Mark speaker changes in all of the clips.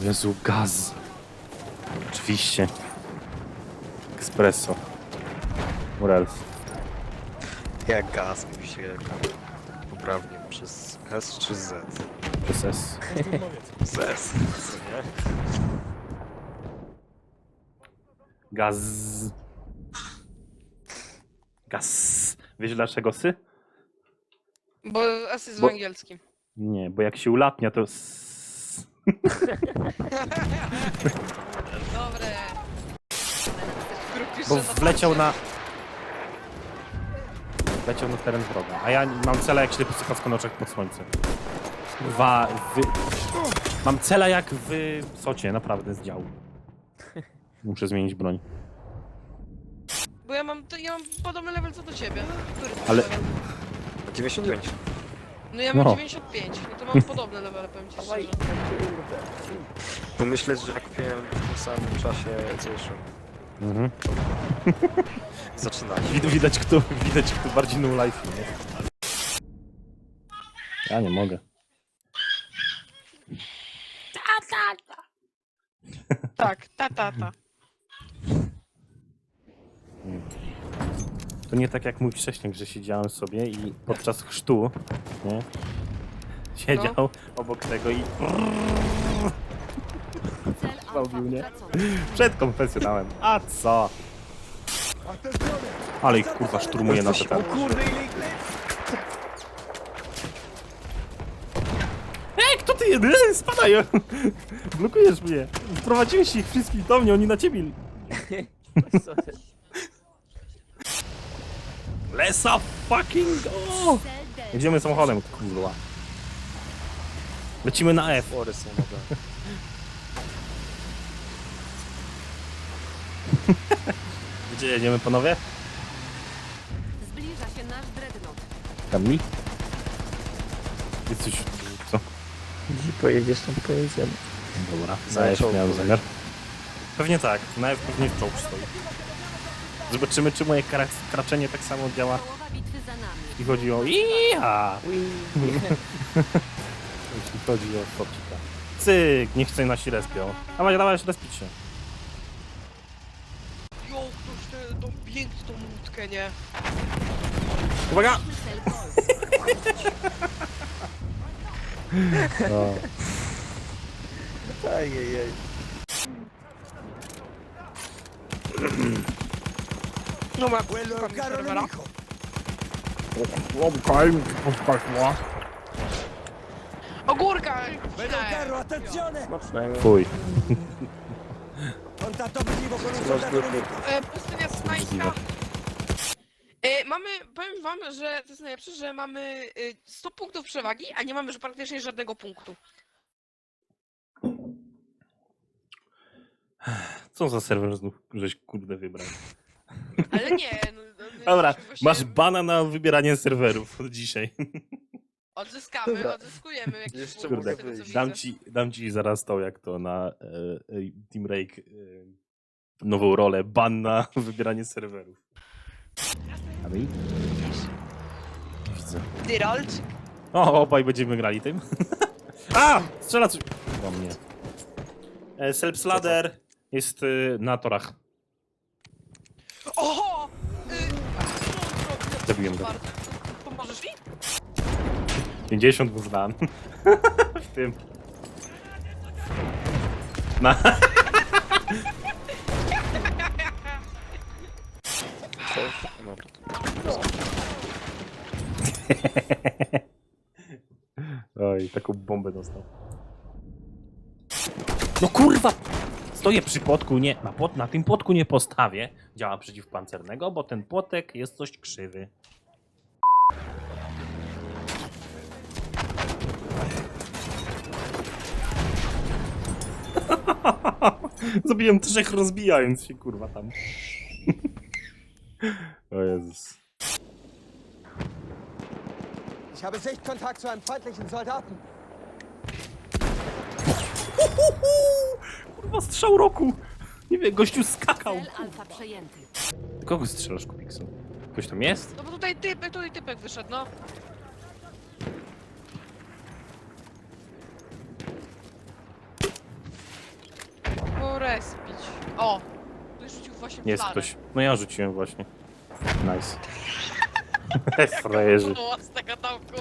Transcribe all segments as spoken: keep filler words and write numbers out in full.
Speaker 1: O Jezu, gaz. Oczywiście. Espresso. Urals.
Speaker 2: Jak gaz mówi się poprawnie przez S czy Z?
Speaker 1: Przez S.
Speaker 2: Z S. Co nie?
Speaker 1: Gaz. Gaz. Wiesz dlaczego sy?
Speaker 3: Bo S jest
Speaker 1: Bo-
Speaker 3: w angielskim.
Speaker 1: Nie, bo jak się ulatnia to s...
Speaker 3: Dobre.
Speaker 1: Bo wleciał na... Wleciał na teren wroga, a ja mam cela jak ślepy psychowsko na oczach pod słońcem. Dwa... Wy... Mam cela jak w socie, naprawdę, z działu. Muszę zmienić broń.
Speaker 3: Bo ja mam, to, ja mam podobny level co do ciebie. Który to
Speaker 1: Ale-
Speaker 3: level?
Speaker 2: dziewięćdziesiąt pięć.
Speaker 3: No ja mam
Speaker 1: No.
Speaker 3: dziewięćdziesiąt pięć, no to mam podobne levele, powiem ci szczerze.
Speaker 2: Tu myślę, że jak kupiłem w tym samym czasie co jeszcze.
Speaker 1: Mhm.
Speaker 2: Zaczynać.
Speaker 1: Wid- Widać kto, widać kto bardziej no life jest. Ja nie mogę.
Speaker 3: Tak, ta, ta, ta.
Speaker 1: To nie tak jak mój wcześniej, że siedziałem sobie i podczas chrztu, nie? Siedział
Speaker 3: No.
Speaker 1: obok tego i
Speaker 4: Cel
Speaker 1: Robił,
Speaker 4: alfa
Speaker 1: nie?
Speaker 4: utracony.
Speaker 1: przed konfesjonałem. A co? Ale ich kurwa szturmuje na te.
Speaker 2: O kurde, ile ich
Speaker 1: Ej, kto ty jeden? Spadaj! Blokujesz mnie. Wprowadziłeś ich wszystkich do mnie, oni na ciebie. Let's fucking go!
Speaker 4: Cel D.
Speaker 1: Jedziemy samochodem, kurwa. Lecimy na F.
Speaker 2: Fory są nowe.
Speaker 1: Gdzie jedziemy, panowie?
Speaker 4: Zbliża się nasz dreadnought.
Speaker 1: Tam mi? Jesteś... co?
Speaker 5: Gdzie pojedziesz, tam pojedziemy.
Speaker 1: Dobra,
Speaker 2: Za
Speaker 1: na F
Speaker 2: czołg
Speaker 1: miałem
Speaker 2: poleci.
Speaker 1: zamiar. Pewnie tak, na F pewnie w czołg stoi. Zobaczymy, czy moje kra kraczenie tak samo działa,
Speaker 4: Połowa bitwy za nami.
Speaker 1: jeśli chodzi o iha, jeśli chodzi o Sobcika. Cyk, niech chce nasi respią. Dawaj, dawaj, respić się.
Speaker 3: Jo, ktoś tę tą piękną łódkę, nie?
Speaker 1: Uwaga!
Speaker 4: Cel Golf.
Speaker 1: No.
Speaker 2: Ajajaj.
Speaker 3: No ma serwera. Ogórka! Nie.
Speaker 1: Fuj.
Speaker 3: E, pustynia Snajska. E, mamy, powiem wam, że to jest najlepsze, że mamy e, sto punktów przewagi, a nie mamy już praktycznie żadnego punktu.
Speaker 1: Co za serwer znów żeś kurde wybrał?
Speaker 3: Ale nie, no, no, no,
Speaker 1: Dobra,
Speaker 3: właśnie
Speaker 1: masz bana na wybieranie serwerów od dzisiaj.
Speaker 3: Odzyskamy,
Speaker 2: Dobra.
Speaker 3: odzyskujemy jakieś
Speaker 2: Jeszcze
Speaker 3: punkty,
Speaker 1: Kurde,
Speaker 3: z tego, co
Speaker 1: dam
Speaker 3: widzę.
Speaker 1: ci, dam ci zaraz to, jak to na e, e, Team Rake e, nową rolę, ban na wybieranie serwerów. A my? Widzę.
Speaker 3: Tyrolczyk.
Speaker 1: O, obaj będziemy grali tym. A! Strzela coś do mnie. E, Self-Sladder jest e, na torach.
Speaker 3: Oho! Y,
Speaker 1: Zabiłem go.
Speaker 3: Bartek, pomożesz mi?
Speaker 1: pięćdziesiąt był zdan. W tym. Na.
Speaker 2: Dobra.
Speaker 1: Oj, taką bombę dostał. No kurwa! Stoję przy płotku, nie, na, płot, na tym płotku nie postawię działa przeciwpancernego, bo ten płotek jest coś krzywy. Zabiłem trzech rozbijając się, kurwa, tam. O Jezus.
Speaker 6: Ich habe Sichtkontakt zu einem feindlichen Soldaten.
Speaker 1: Kurwa, strzał roku! Nie wiem, gościu skakał.
Speaker 4: Cel alfa przejęty.
Speaker 1: Kogo strzelasz, Kubiksu? Ktoś tam jest?
Speaker 3: No bo tutaj typek, tutaj typek wyszedł, no. respić. O! Ktoś rzucił właśnie
Speaker 1: Jest
Speaker 3: flarę.
Speaker 1: ktoś. No ja rzuciłem właśnie. Nice. Frajerzy.
Speaker 3: O, z tego domku.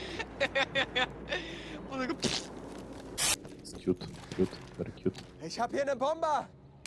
Speaker 3: O, tego...
Speaker 1: Jest cute, cute, very cute.
Speaker 6: Ich hab hier eine Bombe!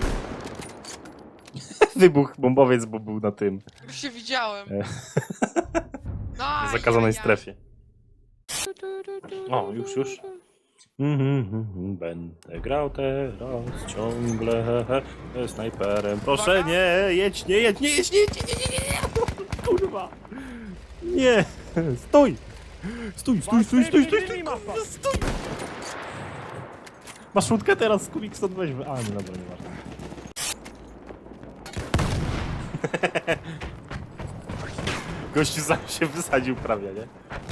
Speaker 1: Wybuch bombowiec, bo był na tym.
Speaker 3: Już się widziałem.
Speaker 1: E.
Speaker 3: No,
Speaker 1: W zakazanej strefie. O, już, już. Mhm, Będę grał teraz ciągle e, snajperem. Proszę,
Speaker 3: Uwaga.
Speaker 1: nie, jedź, nie jedź, nie jedź, nie jedź, nie, nie, nie, nie. Kurwa. Nie, stój. Stój, stój, stój, stój, stój, stój, kurwa, stój. Masz łódkę teraz, Kubik, stąd weźmy. A, nie, dobra, nie ważne. Gościu sam się wysadził prawie, nie?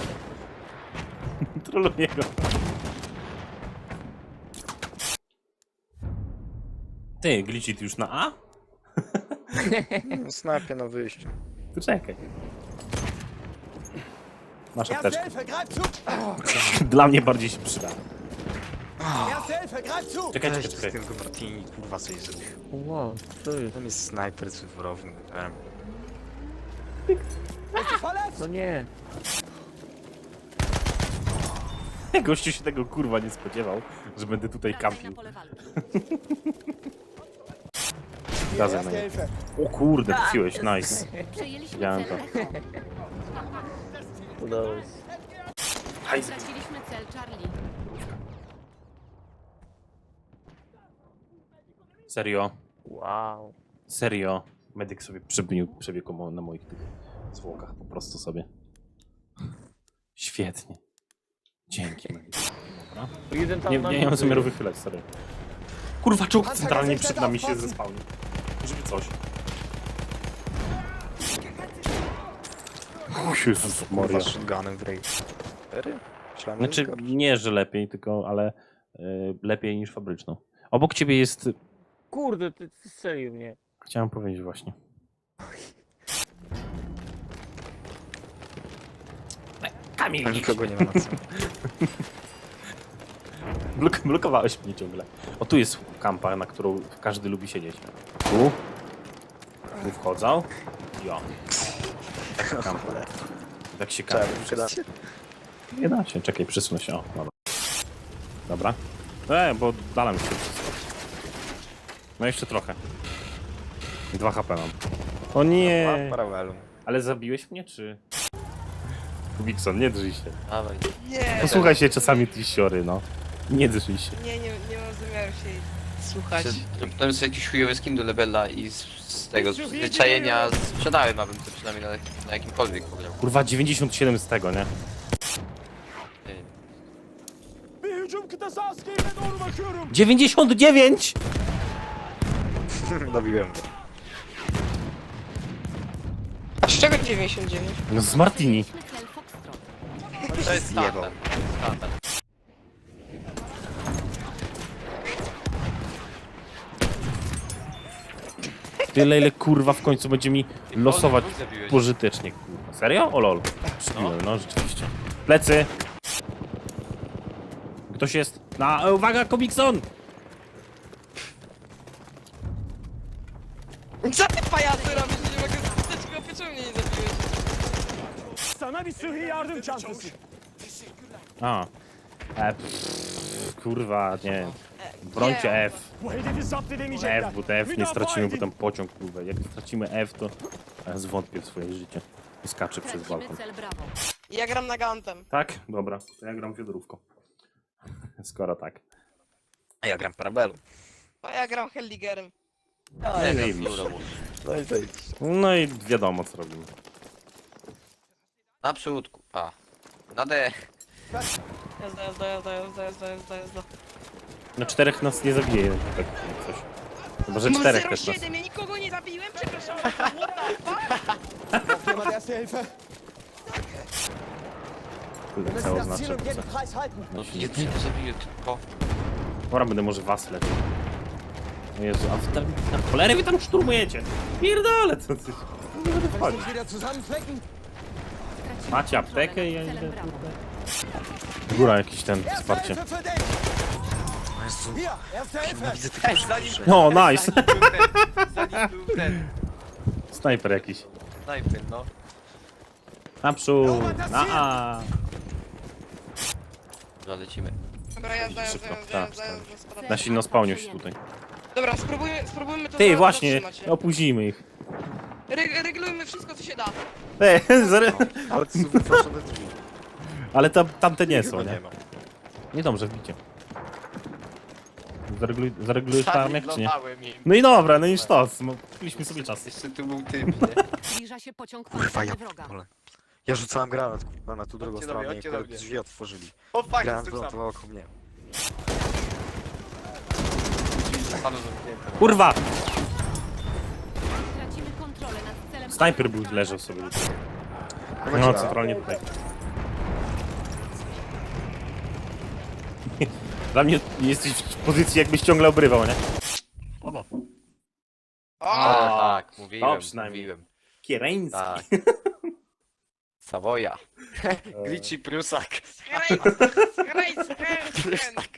Speaker 1: Trolluję go. Ty, glitchy, ty już na A?
Speaker 2: Snapie na wyjściu.
Speaker 1: To czekaj. Masz
Speaker 6: Erste
Speaker 1: apteczkę.
Speaker 6: Hilfe, greif zu!
Speaker 1: Dla mnie bardziej się przyda.
Speaker 6: Erste Hilfe, greif zu!
Speaker 1: Czekaj, czekaj,
Speaker 2: Cześć, z
Speaker 1: czekaj.
Speaker 2: tym Martini, kurwa coś zrobił.
Speaker 5: Wow, co jest?
Speaker 2: Tam jest snajper cyfrowy. em.
Speaker 6: Bist du verletzt?
Speaker 5: No nie.
Speaker 1: Gościu się tego kurwa nie spodziewał, że będę tutaj
Speaker 4: Wracaj na
Speaker 1: kampił.
Speaker 4: pole walki.
Speaker 6: Hier,
Speaker 1: Razem
Speaker 6: Erste
Speaker 1: na nie.
Speaker 6: Hilfe.
Speaker 1: O kurde, trafiłeś, nice.
Speaker 4: Przejęliśmy
Speaker 1: Widziałem
Speaker 4: cel
Speaker 1: to.
Speaker 4: Echo.
Speaker 5: Udało się.
Speaker 1: Hajs.
Speaker 4: Straciliśmy cel Charlie.
Speaker 1: Serio,
Speaker 5: Wow.
Speaker 1: serio. Medyk sobie przebił, przebiegł mo- na moich tych zwłokach po prostu sobie. Świetnie. Dzięki, medyk. Dobra.
Speaker 5: Jeden tam
Speaker 1: Nie,
Speaker 5: na
Speaker 1: nie, nie mam
Speaker 5: górze
Speaker 1: zamiaru
Speaker 5: jest.
Speaker 1: wychylać, sorry. Kurwa, czołg centralnie przed nami się zespałnił. Żeby coś. O Jezus Maria.
Speaker 2: Kurwa shotgunem w rej. Cztery? Myślałem, że
Speaker 1: Znaczy,
Speaker 2: gorszy.
Speaker 1: nie, że lepiej, tylko, ale y, lepiej niż fabryczną. Obok ciebie jest...
Speaker 5: Kurde, ty, ty strzelił mnie.
Speaker 1: Chciałem powiedzieć właśnie. Kamil,
Speaker 2: A nikogo nie ma na co.
Speaker 1: Blok blokowałeś mnie ciągle. O, tu jest kampa, na którą każdy lubi siedzieć. Tu. Tu wchodzą. Jo. Taka kampa. Tak się
Speaker 2: Trzeba
Speaker 1: kampi.
Speaker 2: by przydać.
Speaker 1: Nie da się, czekaj, przesunę się. O, dobra. Dobra. E, bo dala mi się wszystko. No jeszcze trochę. Dwa H P mam. O nie!
Speaker 2: Paralelu.
Speaker 1: Ale zabiłeś mnie, czy... Wikson, nie drżyj się.
Speaker 2: Dawaj.
Speaker 3: Nie,
Speaker 1: Posłuchaj się czasami tej siory, no. Nie drżyj się.
Speaker 3: nie, nie, nie mam zamiaru się jej słuchać.
Speaker 7: To jest jakiś chujowy skin do levela i z, z tego z zwyczajenia sprzedałem, abym to przynajmniej na, na jakimkolwiek pograł.
Speaker 1: Kurwa, dziewięćdziesiąt siedem z tego, nie?
Speaker 7: Ty.
Speaker 6: Bir hücum kıtası askerine doğru bakıyorum.
Speaker 1: dziewięćdziesiąt dziewięć!
Speaker 2: Dobiłem go.
Speaker 3: A z czego dziewięćdziesiąt dziewięć?
Speaker 1: No z Martini.
Speaker 4: Przejęliśmy cel Foxtrot.
Speaker 7: To jest
Speaker 2: Zjebał.
Speaker 7: standard. standard.
Speaker 1: Tyle ile kurwa w końcu będzie mi losować
Speaker 7: dwóch zabiłeś.
Speaker 1: pożytecznie, kurwa. Serio? O lol. Przybiłem, no rzeczywiście. Plecy! Ktoś jest na... e, Uwaga, Komikson!
Speaker 3: Co ty pajacy robisz? Nie mogę zostać go pieczą, mnie nie zabiłeś.
Speaker 6: Sana bir sıhhi yardım çantası.
Speaker 1: A. E, pff, kurwa, nie. Brońcie F.
Speaker 6: Bu hedefi zapt edemeyecekler.
Speaker 1: F, bo te F nie
Speaker 6: Müdafaa
Speaker 1: stracimy, bo
Speaker 6: edin.
Speaker 1: tam pociąg, kurwa. Jak stracimy F, to ja zwątpię w swoje życie. I skaczę przez
Speaker 4: Tracimy
Speaker 1: balkon.
Speaker 4: cel Bravo.
Speaker 3: Ja gram na gantem.
Speaker 1: Tak? Dobra, to ja gram wiodrówką. Skoro tak.
Speaker 2: A ja gram parabelu.
Speaker 3: A ja gram Helligerem.
Speaker 1: No
Speaker 7: Nie
Speaker 1: i
Speaker 7: wiem,
Speaker 1: widzisz.
Speaker 7: dobra.
Speaker 2: No i zejdź.
Speaker 1: No i wiadomo co robimy.
Speaker 7: Na przódku. A. Na D.
Speaker 3: Jazda, jazda, jazda, jazda, jazda, jazda, jazda.
Speaker 1: No czterech nas nie zabije, tak jak coś. Chyba, że
Speaker 3: Mam
Speaker 1: czterech
Speaker 3: zero
Speaker 1: też nas.
Speaker 3: siedem, ja nikogo nie zabiłem, przepraszam.
Speaker 6: Braucht jemand Erste Hilfe?
Speaker 1: Kurde,
Speaker 6: Wir
Speaker 1: co
Speaker 6: müssen das
Speaker 1: oznacza.
Speaker 6: Ziel um jeden
Speaker 1: co?
Speaker 6: Preis halten.
Speaker 7: No nie zabiję tylko.
Speaker 1: Dobra, będę może was leczył. O Jezu, a wy tam, na cholerę wy tam szturmujecie? Pierdolę, co ty? Nie będę
Speaker 6: Wenn
Speaker 1: wchodzić.
Speaker 6: sich wieder zusammenflecken.
Speaker 4: Stracimy
Speaker 1: Macie
Speaker 4: kontrolę
Speaker 1: aptekę i ja
Speaker 4: nad
Speaker 1: idę
Speaker 4: celem Bravo.
Speaker 1: Góra jakiś ten
Speaker 6: Erste
Speaker 1: wsparcie.
Speaker 6: Hilfe für dich.
Speaker 2: Jezu,
Speaker 6: Hier, erste Hilfe!
Speaker 2: nienawidzę tego
Speaker 7: Ej, zanim...
Speaker 2: rzeczy.
Speaker 1: O, nice.
Speaker 7: Zanim był ten, zanim był ten
Speaker 1: Snajper jakiś.
Speaker 7: snajper, no.
Speaker 1: Naprzód. Na A.
Speaker 7: Dobra, lecimy.
Speaker 3: Dobra, jazda, jazda,
Speaker 1: Szybko,
Speaker 3: jazda,
Speaker 1: tak,
Speaker 3: jazda,
Speaker 1: tak.
Speaker 3: jazda, spadamy.
Speaker 1: Na silno spełnił się tutaj.
Speaker 3: Dobra, spróbujmy, spróbujmy to
Speaker 1: Ty,
Speaker 3: za-
Speaker 1: właśnie,
Speaker 3: zatrzymać, nie?
Speaker 1: opóźnimy ich.
Speaker 3: Re reglujmy wszystko, co się da.
Speaker 1: Ej, zare...
Speaker 2: Ale to są wyproszone drzwi.
Speaker 1: Ale tam, tamte nie
Speaker 2: Chyba
Speaker 1: są, nie?
Speaker 2: nie ma.
Speaker 1: Nie dobrze, wbicie. Zareguluj, zaregulujesz paramek, czy nie?
Speaker 7: Zaryglowałem im.
Speaker 1: No i dobra, no i sztos. Mieliśmy sobie czas.
Speaker 7: Jeszcze tu był typ, nie?
Speaker 4: Zbliża się pociąg
Speaker 2: Kurwa, ja
Speaker 4: pancerny wroga.
Speaker 2: pierdolę. Ja rzucałem granat, kurwa, na tu drugą
Speaker 7: Chodźcie do mnie,
Speaker 2: stronę i
Speaker 7: chodźcie do
Speaker 2: akurat
Speaker 7: mnie.
Speaker 2: drzwi otworzyli.
Speaker 7: O fuck,
Speaker 2: Granat
Speaker 7: jestem sam.
Speaker 2: wylądował koło mnie.
Speaker 7: Panu zamknięte.
Speaker 1: Kurwa!
Speaker 4: Tracimy kontrolę nad celem.
Speaker 1: Snajper był, leżał sobie. No,
Speaker 2: Dobra.
Speaker 1: centralnie tutaj. Dla mnie jesteś w pozycji, jakbyś ciągle obrywał, nie?
Speaker 7: O,
Speaker 3: O!
Speaker 7: tak, mówiłem,
Speaker 1: to przynajmniej.
Speaker 7: mówiłem.
Speaker 1: Kiereński.
Speaker 7: Tak. Savoya. Glitchy Prusak.
Speaker 3: Skrajc, skrajc, skrajc.